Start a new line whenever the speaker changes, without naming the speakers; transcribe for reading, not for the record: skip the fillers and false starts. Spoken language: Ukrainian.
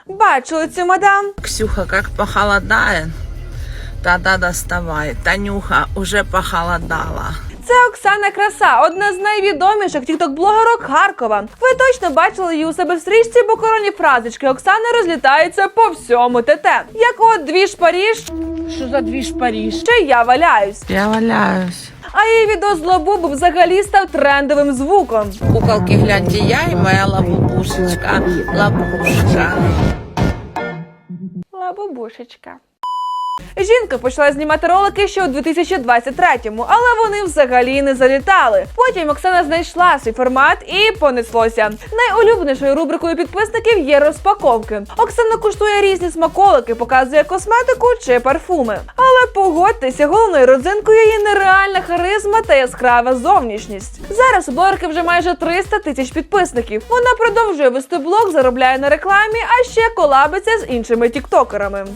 Бачили цю мадам?
Ксюха, как похолодает, тогда доставай. Танюха, уже похолодала.
Це Оксана Краса, одна з найвідоміших тікток-блогерок Харкова. Ви точно бачили її у себе в стрічці, бо коронні фразочки Оксани розлітаються по всьому ТТ. Як от «Двіж Паріж»,
Что за движ Париж?
чи «Я валяюсь».
Я валяюсь.
А її відео з Лабубу взагалі став трендовим звуком.
Куколки, гляньте, я и моя лабубушечка. Лабушка.
Лабубушечка. Жінка почала знімати ролики ще у 2023-му, але вони взагалі не залітали. Потім Оксана знайшла свій формат і понеслося. Найулюбленішою рубрикою підписників є розпаковки. Оксана куштує різні смаколики, показує косметику чи парфуми. Але погодьтеся, головною родзинкою є нереальна харизма та яскрава зовнішність. Зараз у блогерки вже майже 300 тисяч підписників. Вона продовжує вести блог, заробляє на рекламі, а ще колабиться з іншими тіктокерами.